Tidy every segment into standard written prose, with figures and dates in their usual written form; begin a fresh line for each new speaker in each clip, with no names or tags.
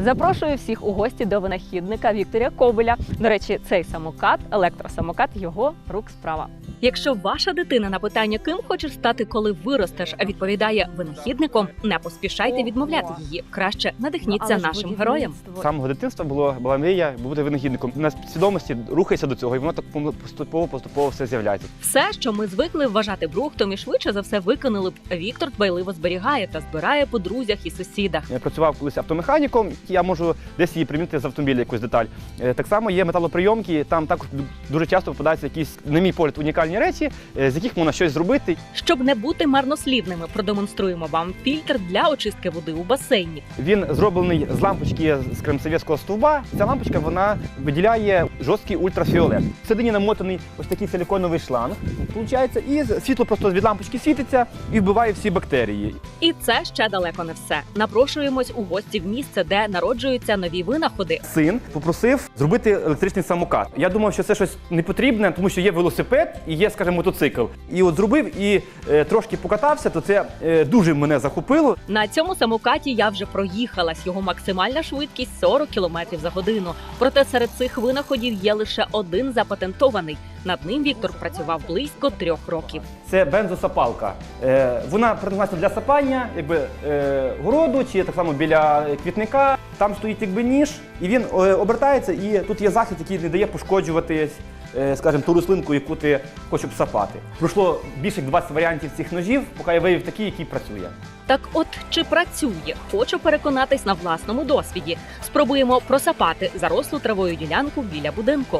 Запрошую всіх у гості до винахідника Віктора Кобеля. До речі, цей самокат, електросамокат, його рук справа. Якщо ваша дитина на питання, ким хочеш стати, коли виростеш, відповідає винахідником, не поспішайте відмовляти її. Краще надихніться нашим героям.
З самого дитинства була мрія бути винахідником. На свідомості рухайся до цього, і воно так поступово все з'являється.
Все, що ми звикли вважати брухтом і швидше за все виконали б, Віктор дбайливо зберігає та збирає по друзях і сусідах.
Я працював колись автомеханіком, я можу десь її примінити з автомобіля якусь деталь. Так само є металоприйомки, там також дуже часто попадаються якісь, на мій погляд, унікальні речі, з яких можна щось зробити.
Щоб не бути марнослівними, продемонструємо вам фільтр для очистки води у басейні.
Він зроблений з лампочки з кремсовєтського стовба. Ця лампочка, вона виділяє жорсткий ультрафіолет. Всередині намотаний ось такий силіконовий шланг, виходить, і світло просто від лампочки світиться і вбиває всі бактерії.
І це ще далеко не все. Напрошуємось у гості в місце, де народжуються нові винаходи.
Син попросив зробити електричний самокат. Я думав, що це щось не потрібне, тому що є велосипед і є, скажімо, мотоцикл. І от зробив і трошки покатався, то це дуже мене захопило.
На цьому самокаті я вже проїхалась. Його максимальна швидкість 40 км за годину. Проте серед цих винаходів є лише один запатентований. Над ним Віктор працював близько 3 років.
Це бензосапалка. Вона призначена для сапання городу чи так само біля квітника. Там стоїть ніж, і він обертається, і тут є захист, який не дає пошкоджувати, скажімо, ту рослинку, яку ти хочеш сапати. Пройшло більше 20 варіантів цих ножів, поки я виявив такий, який працює.
Так от, чи працює? Хочу переконатись на власному досвіді. Спробуємо просапати зарослу травою ділянку біля будинку.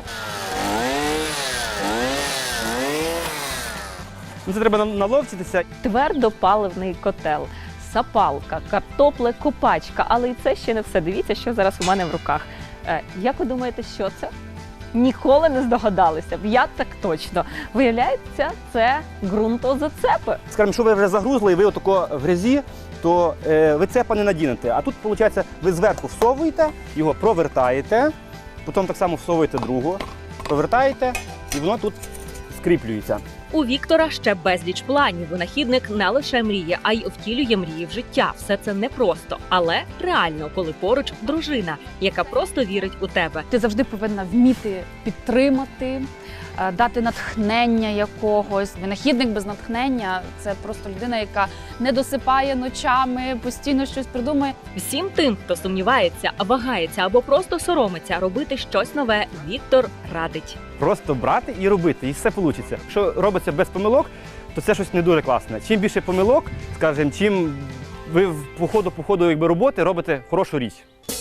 Це треба наловчитися.
Твердопаливний котел, сапалка, картоплекопачка. Але і це ще не все. Дивіться, що зараз у мене в руках. Як ви думаєте, що це? Ніколи не здогадалися б. Я так точно. Виявляється, це ґрунтозацепи.
Скажімо, якщо ви вже загрузли і ви отако в грязі, то ви цепа не надінете. А тут, виходить, ви зверху всовуєте, його провертаєте, потім так само всовуєте другу, провертаєте, і воно тут скріплюється.
У Віктора ще безліч планів. Винахідник не лише мріє, а й втілює мрії в життя. Все це непросто, але реально, коли поруч дружина, яка просто вірить у тебе.
Ти завжди повинна вміти підтримати, дати натхнення якогось. Винахідник без натхнення – це просто людина, яка не досипає ночами, постійно щось придумує.
Всім тим, хто сумнівається, вагається або просто соромиться робити щось нове, Віктор радить.
Просто брати і робити, і все вийде. Якщо робиться без помилок, то це щось не дуже класне. Чим більше помилок, скажімо, чим ви по ходу роботи робите хорошу річ.